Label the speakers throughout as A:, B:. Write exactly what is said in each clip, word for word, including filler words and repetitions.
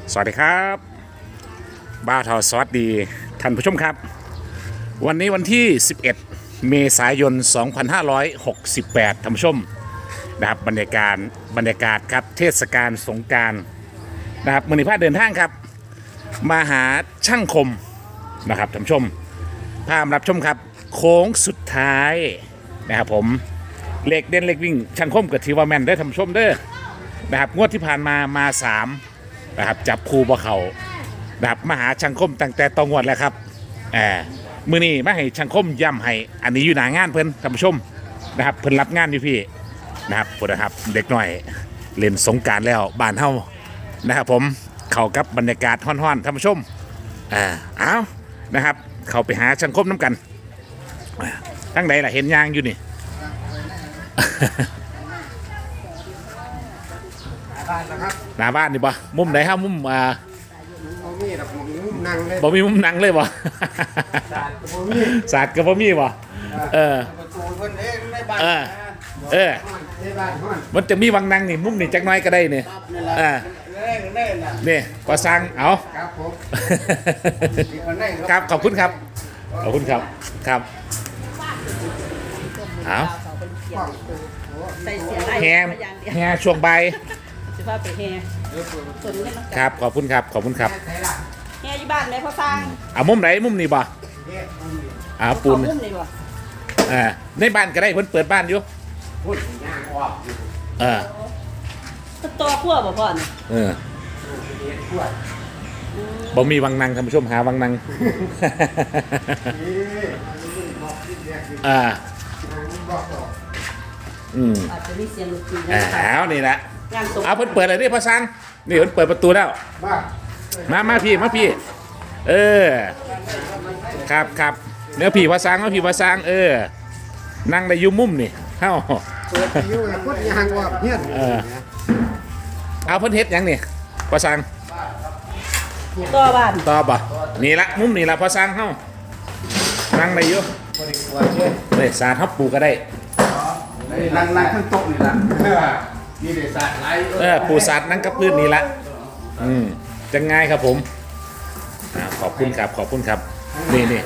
A: สวัสดีครับบ้าทอสวัสดีท่านผู้ชมครับวันนี้วันที่สิบเอ็ดเมษายนสองพันห้าร้อยหกสิบแปดท่านผู้ชมนะครับบรรยากาศบรรยากาศครับเทศกาลสงกรานต์นะครับมือนิพาเดินทางครับมาหาช่างคมนะครับท่านผู้ชมพามารับชมครับโค้งสุดท้ายนะครับผมเลขเด่นเลขวิ่งช่างคมกับทีว่าแมนได้อท่านผู้ชมเด้อนะครับงวดที่ผ่านมามาสามนะครับจับคู่บ่เขานะครับมาหาช่างคมตั้งแต่ตองวดแล้วครับแอบมือนี้มาให้ช่างคมย้ำให้อันนี้อยู่หนางานเพิ่นท่านผู้ชมนะครับเพิ่นรับงานอยู่พี่นะครับพุ่นนะครับเด็กหน่อยเล่นสงกรานต์แล้วบ้านเฮานะครับผมเข้ากับบรรยากาศฮ้อนๆท่านผู้ชมอ่าเอานะครับเข้าไปหาช่างคมน้ำกันทั้งใดล่ะเห็นยางอยู่นี่
B: บ้านนะครับ
A: หน้าบ้านนี่ปะมุมไหนครับมุมอ่า
B: บ่มีดอกบ่มีมุมนั่งเลย
A: บ่มีมุมนั่งเลยปะ
B: ศาสตร์ก็บ่มี
A: ศาสตร์กับบ่มีปะเออ
B: ประตูเพิ่นเองในบ้าน
A: เออเออ
B: ในบ้านฮ้อน
A: มันจะมีวังนั่งนี่มุมนี่จักหน้อยก็ได้นี่
B: ครับนี่ล่ะ
A: อ่า
B: เล่นเล่นน่ะ
A: นี่ก็สั่งเอา
B: ครับผมมีคนได้
A: ครับขอบคุณครับขอบคุณครับครับเอา
C: ใส่เสียได้
A: แฮม
C: อย่างเดียว
A: แฮช่วงบ่าย
C: สิพาไปแฮส่วนนี้มัน
A: ครับขอบคุณครับขอบคุณครับ
B: ใช่ล่ะ
C: แฮอยู่บ้านไหนพอสร้าง
A: เอามุมไหนมุมนี่บ่
B: เฮ็ดมันมี
A: อ่าปูน
C: เขามุ่มเลยบ่
A: อ่าในบ้านก็ได้เพิ่นเปิดบ้านอยู่
B: พุ่นย่างออกอยู่
A: เออ
C: ก็ตัวขั้วบ่พ่อนี่
A: เออ
B: เฮ็ดพวด
A: บ่มีวังนั่งท่านผู้ชมหาวังนั่ง
B: นี่มันบอกที่แรกคือ
A: อ่า
B: มันบอกต่อ
A: อืม
C: อาจจะมีเสียงดนตรี
A: อ่า
C: นะคะ
A: เอานี่แหละ
C: งานศพ
A: เอาเพิ่นเปิดอะไรนี่พ่อซังนี่เพิ่นเปิดประตูแล้ว
B: มา
A: มามาพี่มาพี่เออครับครับเนื้อพี่พ่อซังมาพี่พ่อซังเออนั่งได้อยุ่มุมนี่เฮ้า
B: เปิดอยู่แล้วพุ่นย่างออกเฮ็ด
A: เออ เอาเพิ่นเฮ็ดหยังนี่พ่อซัง
C: ตัวบ้าน
A: ตอบบ่นี่ละมุมนี่ละพ่อซังเฮ้านั่งได้อยู่
B: บ่ได้กลัวเด้
A: เฮ้ยสาดทับปูก็ได้
B: นี่นั่งนั่งข้างโต๊ะนี่ล่ะนี่ได้ศาสตร์หลาย
A: เออปูสาดนั่งกับพื้นนี่ละอืมจะง่ายครับผมอ่าขอบคุณครับขอบคุณครับนี่นี่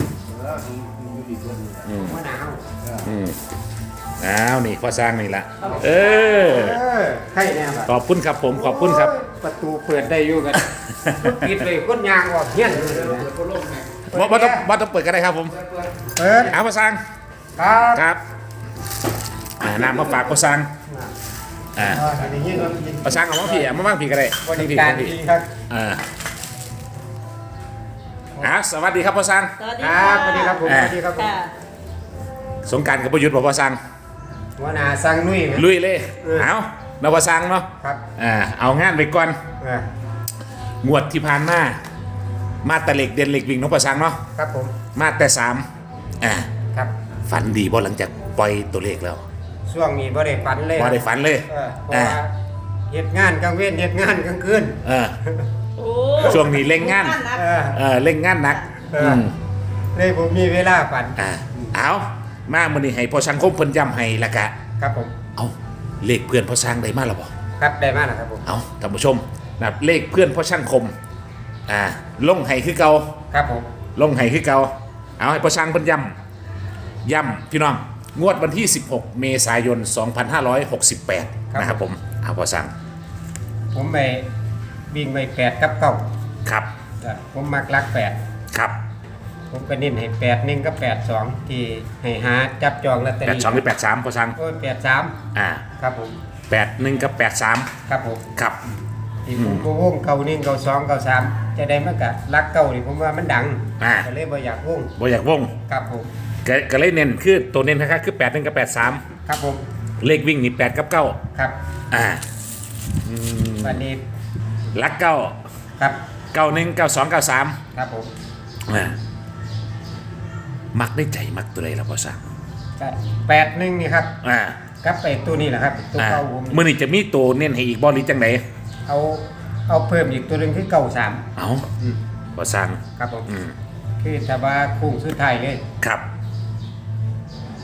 B: อืมมะนาว
A: อืมอ้าวนี่พ่อสร้างนี่ละเออ
B: เออใครแน่ครับ
A: ขอบคุณครับผมขอบคุณครับ
B: ประตูเปิดได้อยู่กันปิดเลยคนยางออกเฮี้ยน
A: บ่บ่ต้องบ่ต้องเปิดก็ได้ครับผม
B: เปิด
A: เอาพ่อสร้าง
B: ครับ
A: ครับอ่าน้ำมาฝากพ่อสร้างอ่า
B: อันนี้ก็ยิน
A: พ่อสร้างเอามาพี่เอามาบ้างพี่ก็ได้
B: บริการ
A: พี่
B: ดีครับ
A: อ่าอ่าสวัสดีครับพ่อสร้าง
C: สวัสดี
B: ค
C: ค่ะ
B: รับสวัสดีครับผมสวัสดีครับผม
C: ค่ะ
A: สงกรารกับประยุทธ์บอกพ่อสร้าง
B: หัวหน้าสั่งนุ่ยไหม
A: ลุยเลย
B: เออ
A: เอาเราพ่อสร้างเนาะ
B: ครับ
A: อ่าเอางานไปก่อน
B: เออง
A: วดที่ผ่านมามาแต่เหล็กเด่นเหล็กวิ่งน้องพ่อสร้างเนาะ
B: ครับผม
A: มาแต่สามอ่า
B: ครับ
A: ฝันดีบ่หลังจากปล่อยตัวเลขแล้ว
B: ช่วงนี้บ่ได้ฝันเลย
A: บ่ได้ฝันเลย
B: เออเพราะว่าเฮ็ดงานกลางเว้นเฮ็ดงานกลางคืน
A: เออ
C: โอ้
A: ช่วงนี้เร่งงาน
C: นะ
B: เออ
A: เออเล่งงานหนัก
B: เอออื
A: ม
B: เลยผมมีเวลาฝัน
A: อ่าเอามามื้อนี้ให้พ่อช่างคมเพิ่นย้ำให้ละกะ
B: ครับผม
A: เอาเลขเพื่อนพ่อช่างได้มาแล้วบ่
B: ครับได้มากนะครับผม
A: เอาท่านผู้ชมนะครับเลขเพื่อนพ่อช่างคมอ่าลงให้คือเก่า
B: ครับผม
A: ลงให้คือเก่าเอาให้พ่อช่างเพิ่นย้ำย้ำพี่น้องงวดวันที่ สิบหก เมษายน สองพันห้าร้อยหกสิบแปด นะครับผมเอาพ่อช่าง
B: ผมไปวิ่งไปแปดกับเก้า
A: ครับ
B: จ้ะผมมักรักแปด
A: ครับ
B: ผมก็เน้นให้แปดหนึ่งกับแปดสองที่ให้หาจับจองลอตเตอ
A: แปด
B: รี่
A: สองหรือแปดสามพ่อช่าง
B: โอ้ยแปดสาม
A: อ่า
B: ครับผม
A: แปดหนึ่งกับแปดสาม
B: ครับผม
A: ครับ
B: ที่ผมก็วงเก้าหนึ่งเก้าสองเก้าสามจะได้มากะรักเก้านี่ผมว่ามันดัง
A: อ่า
B: ก็เลยบ่อยากวง
A: บ่อยากวง
B: ครับผม
A: ก็ก็เลยเน้นคือตัวเน้นนะครับคือแปดหนึ่งกับแปดสาม
B: ครับผม
A: เลขวิ่งนี่แปดกับเก้า
B: ครับ
A: อ่าอืม
B: วันนี้
A: ลักเก้า
B: ครับ
A: เก้าหนึ่งเก้าสองเก้าสาม
B: ครับผม
A: อ่ามักได้ใจมักตัวใดล่ะพ่อสั่ง
B: ก็แปดหนึ่งนี่ครับ
A: อ่า
B: กับไปตัวนี้แหละครับตัว
A: อ่า
B: เก้าผม
A: มื่อนี้จะมีตัวเน้นให้อีกบอลหรือจังไหน
B: เอาเอาเพิ่มอีกตัวหนึ่งคือเก้าสาม
A: เอาพ่อสั่ง
B: ครับผม
A: อืม
B: คือถ้าว่าคุ้งสุดท้ายเลย
A: ครับ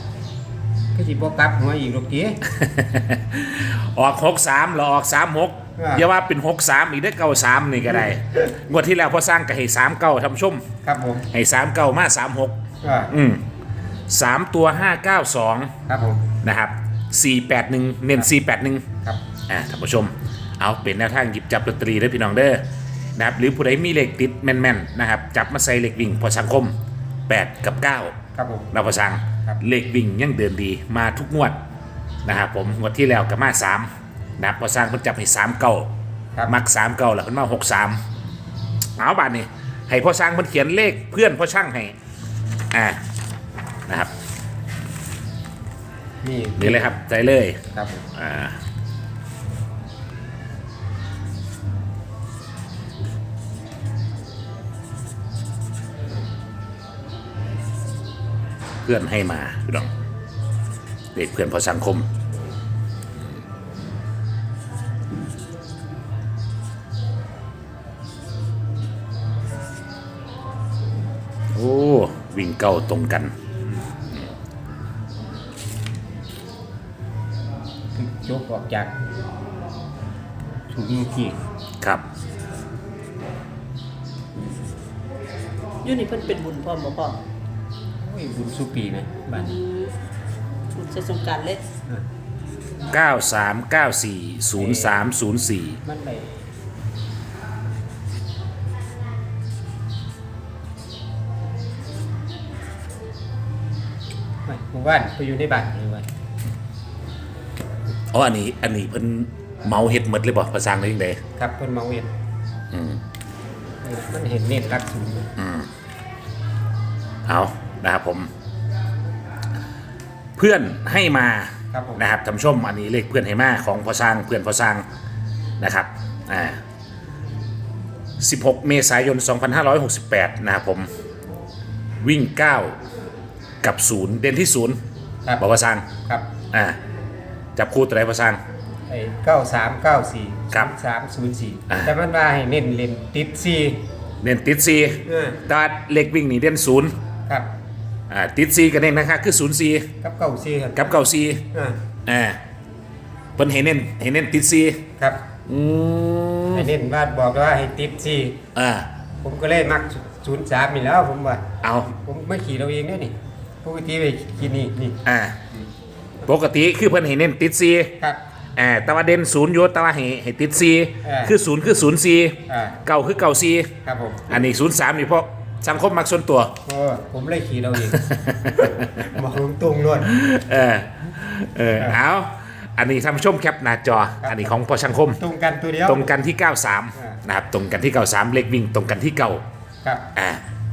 B: คือสิบ่กลับหัวอีกลูกจี
A: ออกหกสามหรอออกสามหก
B: อ่า
A: อย่าว่าเป็นหกสามอีกได้เก้าสามนี่ก็ได้งวดที่แล้วพอสร้างก็ให้สามเก้าทำชม
B: ครับผม
A: ให้สามเก้ามาสามหก
B: อ่า
A: อืมสามตัวห้าเก้าสอง
B: ครับผม
A: นะครับสี่แปดหนึ่งเน้นสี่แปดหนึ่ง
B: ครับ
A: อ่าท่านผู้ชม เอาเป็นแนวทางหยิบจับลอตเตอรี่ได้พี่น้องเด้อนะครับหรือผู้ใดมีเลขติดแม่นๆนะครับจับมาใส่เลขวิ่งพอสังคมแปดกับเก้า
B: ครับผม
A: เราพอสัง
B: ครับ
A: เลขวิ่งยังเดินดีมาทุกงวดนะครับผมงวดที่แล้วกับมาสามนะครับพอสร้างเพิ่นจับให้สามเก้า
B: ครับ
A: มักสามเก้าแล้วเพิ่นมาหกสามเอาบาทนี่ให้พ่อสร้างเพิ่นเขียนเลขเพื่อนพ่อช่างให้อ่านะครับ
B: นี่
A: นี่เลยครับใจเลย
B: ครับผม
A: อ่าเพื่อนให้มาพี่น้องเด็กเพื่อนพอสังคมโอ้วิ่งเก้าตรงกัน
B: ยกออกจากถูกยิงที่
A: ครับ
C: อยู่นี่เพิ่นเป็นบุญพร้อมบ่พ่อ
B: โอ้ยบุญสุปีไหมบ้าน
C: อืมบุญใช้สงกรานต์เลย
B: อ่า
A: เก้า สาม เก้า สี่ ศูนย์ สาม ศูนย์ สี่
B: มันไปไม่หมู่บ้านไปอยู่ในบ้านเลยวัน
A: อ๋ออันนี้อันนี้เพิ่นเมาเฮ็ดหมดเลยบ่ภาษาอังกฤษจังได
B: ครับเพิ่นมาเวียน
A: อืม
B: เออมันเห็นเน็ตรักสูงเลย
A: เอานะครับผม เพื่อนให้มา
B: ครับผม
A: นะครับท่านผู้ชมอันนี้เลขเพื่อนให้มาของพ่อสร้างเพื่อนพ่อสร้างนะครับอ่าสิบหกเมษายนสองพันห้าร้อยหกสิบแปดนะครับผมวิ่งเก้ากับศูนย์เด่นที่ศูนย์
B: ครับ
A: บอกพ่อสร้าง
B: ครับ
A: อ่าจับคู่ตัวไหนพ่อสร้าง
B: ไอ้เก้าสามเก้าสี่
A: ครับ
B: สามศูนย์สี่
A: อ่า
B: แต่มันว่าให้เน้นเล่นติดสี่
A: เด่นติดซี
B: เออ
A: แตว่าเลขวิ่งนี่เด่นศูนย์
B: ครับ
A: อ่าติดซีกันเองนะครับคือศูนย์ซี
B: กับเก้าสี่ครับ
A: กับเก้าซี
B: อ่า
A: อ่าเพิ่นให้เน้นให้เน้นติดซี
B: ครับ
A: อืม
B: ไอ้เน้นว่าบอกว่าให้ติดสี่
A: อ่า
B: ผมก็เลยมักศูนย์สามนี่แล้วผมว่า
A: เอา
B: ผมไม่ขี่เราเองเนี่ยนี่ปกติไปขี่นี่นี่
A: อ่าปกติคือเพิ่นให้เน้นติดซี
B: ครับ
A: อ่าแต่ว่าเด่นศูนย์อยู่แต่ว่าให้ให้ติดซี
B: เออ
A: คือศูนย์คือศูนย์ซี
B: อ่า
A: เก่าคือเก่าซี
B: ครับผม
A: อันนี้ศูนย์สามนี่เพราะสังคมมักส่วนตัว
B: โอ้ผมเลยขี่เราเอง บอกตรงๆล้วน
A: เออเออเอาอันนี้ท่านผู้ชมแคปหน้าจอ
B: ครับ
A: อันนี้ของพอสังคม
B: ตรงกันตัวเดียว
A: ตรงกันที่เก้าสาม
B: อ่าน
A: นะครับตรงกันที่เก้าสามเลขวิ่งตรงกันที่เก้า
B: ครับ
A: อ่า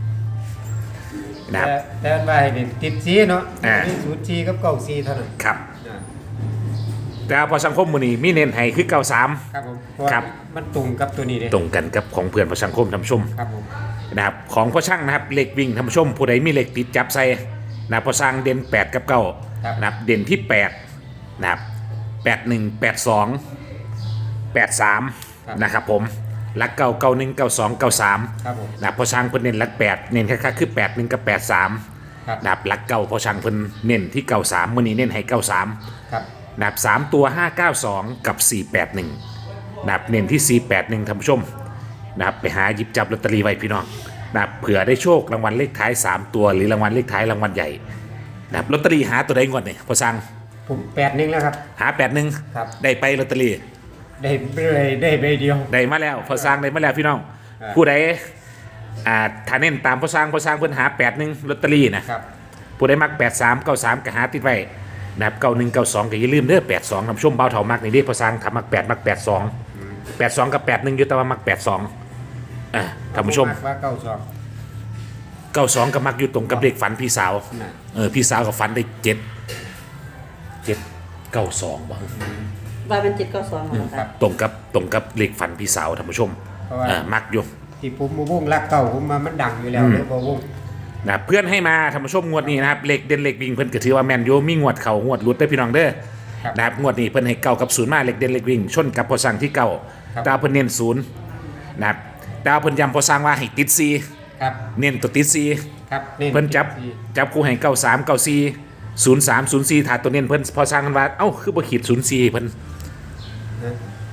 A: นะครับ
B: แต่แต่มันว่าให้เน้นติดสี่เนาะ
A: อ่า
B: มีศูนย์สี่กับเก้าสี่เท่านั้น
A: ครับ
B: อ่า
A: แต่ว่าพอสังคมมือนี้มีเน้นให้คือเก้าสาม
B: ครับผมเพราะว่า
A: ครับ
B: มันตรงกับตัวนี้เลย
A: ตรงกันกับของเพื่อนพอสังคมท่านผู้ชม
B: ครับผม
A: นะครับของพ่อช่างนะครับเหล็กวิ่งท่านผู้ชมผู้ใดมีเหล็กติดจับใส่นะครับพ่อสร้างเด่นแปดกับเก้า
B: ครับ
A: นะครับเด่นที่แปดนะครับแปดหนึ่งแปดสองแปดสามนะครับผมลักเก้าเก้าหนึ่งเก้าสองเก้าสาม
B: ครับผม
A: นะครับพ่อช่างเพิ่นเน้นลักแปดเน้นค่าคือแปดหนึ่งกับแปดสาม
B: ครับ
A: นะครับลักเก้าพ่อช่างเพิ่นเน้นที่เก้าสามมื้อนี้เน้นให้เก้าสาม
B: ครับ
A: นะครับสามตัวห้าเก้าสองกับสี่แปดหนึ่งนะครับเน้นที่สี่แปดหนึ่งท่านผู้ชมนะครับไปหาหยิบจับลอตเตอรี่ไว้พี่น้องนะครับเผื่อได้โชครางวัลเลขท้ายสามตัวหรือรางวัลเลขท้ายรางวัลใหญ่นะครับลอตเตอรี่หาตัวใดงวดนี่พอสั่ง
B: ผมแปดหนึ่งแล้วครับ
A: หาแปดหนึ่ง
B: ครับ
A: ได้ไปลอตเตอรี่
B: ได้เลยได้ใบเดียว
A: ได้มาแล้วพอสั่งได้มาแล้วพี่น้อง
B: อ่า
A: ผู้ใดอ่าถ้าเน้นตามพอสั่งพอสั่งเพิ่นหาแปดหนึ่งลอตเตอรี่นะครับ ผู้ใดมักแปดสามเก้าสามก็หาติดไว้นะครับเก้าหนึ่งเก้าสองก็อย่าลืมเด้อแปดสองท่านผู้ชมเบาเท่ามักนี่เด้พอสั่งทำมักแปดมักแปดสองแปดสองกับแปดหนึ่งอยู่แต่ว่ามักแปดสองอ่าท่านผู้ชม
B: ว่าเก้าสอง
A: เก้าสองกับมักอยู่ตรงกับเลขฝันพี่สาว
B: น่ะ
A: เออพี่สาวกับฝันได้เจ็ดเจ็ดเก้าสองบ้าง
C: ว่าเป็นเจ็ดเก้าสองเหรอครับ
A: ตรงกับตรงกับเลขฝันพี่สาวท่านผู้ชม
B: เพราะว่า
A: อ่ามักอยู่
B: ที่ผมมาวุ่งรักเก่าผมมามันดังอยู่แล้ว
A: อืม
B: เลยพอวุ่ง
A: นะเพื่อนให้มาท่านผู้ชมงวดนี้นะครับเลขเด่นเลขวิ่งเพิ่นก็ถือว่าแมนโยมีงวดเข่างวดหลุดได้อพี่น้องเด้อ
B: ครับ
A: นะครับงวดนี้เพิ่นให้เก้ากับศูนย์มาเลขเด่นเลขวิ่งชนกับพอสั่งที่เก้า
B: ครับ
A: ดาวเพิ่นเน้นศูนย์นะครับดาวเพิ่นย้ำพอสั่งว่าให้ติดซี
B: ครับ
A: เน้นตัวติดซี
B: ครับ
A: เพิ่นจับจับคู่ให้เก้าสามเก้าสี่ศูนย์สามศูนย์สี่ถ้าตัวเน้นเพิ่นพอสั่งกันว่าเอ้าคือบ่ขีดศูนย์สี่เพิ่น
B: นะ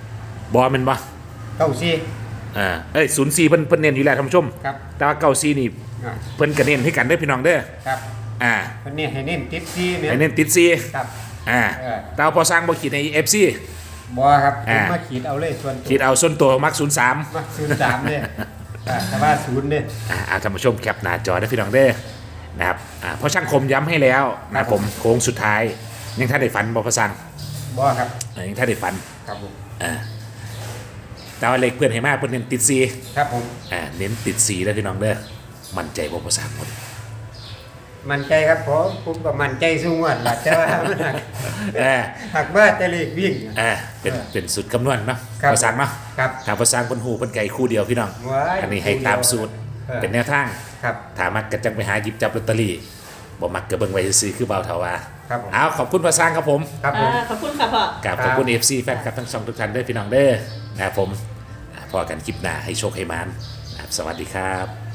A: บอมันบ่
B: เก้าสี่
A: อ่าเอ้ยศูนย์สี่เพิ่นเพิ่นเน้นอยู่แล้วท่านผู้ชม
B: ครับ
A: แต่ว่าเก้าสี่นี่
B: อ่า
A: เพิ่นก็เน้นให้กันเด้อพี่น้องเด้อ
B: ครับ
A: อ่า
B: วันนี้ให้เน้นติดสี่เนี่ย
A: ให้เน้นติดสี่
B: ครับ
A: อ่า
B: เออ
A: แต่ว่าพอสร้างบ่ขีดใน เอฟ ซี
B: บอครับผ
A: อ่า
B: มมาขีดเอาเลยส่วนตัว
A: ขีดเอาส่วนตัวมักศูนย์สาม
B: มาศูนย์สามเนี่ยอ่าแต่ว่าศูนย์เนี่ย
A: อ่าอ่าท่านผู้ชมแคปหน้าจอได้อพี่น้องเด้อนะครับอ่าเพราะช่างคมย้ำให้แล้วนะครับผมโค้งสุดท้ายยังท่านได้ฝันบ่พอสร้าง
B: บอครับ
A: เออยังท่านได้ฝัน
B: ครับผม
A: อ่าแต่ว่าเลขเพื่อนให้มากเพื่อนเน้นติดสี่
B: ครับผม
A: อ่าเน้นติดสี่แล้วพี่น้องเด้อมั่นใจบ่พอสร้างหมด
B: มั่นใจครับผมผมก็มั่นใจสูงวัดหลักแต่ว่ามันหัก
A: เออ
B: หักว่าแต่เลขวิ่ง
A: อ่าเป็นเป็นสุดคำนวณเนาะ
B: ครับ
A: พอสร้างเนาะ
B: ครับ
A: ถ้าพอสร้างเพิ่นฮู้เพิ่นไก่คู่เดียวพี่น้อง
B: ว้าย
A: อันนี้ให้ตามสูตร
B: เออ
A: เป็นแนวทาง
B: ครับ
A: ถ้ามักก็จังไปหาหยิบจับลอตเตอรี่บ่มักก็เบิ่งไว้ซื่อๆคือเบาเถาว่า
B: ครับผม
A: เอาขอบคุณพอสร้างครับผม
B: ครับผ
C: อ่าม ขอบคุณค่ะพ่อ
A: กับ
B: ครับ
A: ขอบคุณ เอฟ ซี แฟนคลับทั้งสองทุกท่านด้วยพี่น้องเด้อนะครับผมอ่าพอกันคลิปหน้าให้โชคให้มานนะครับสวัสดีครับ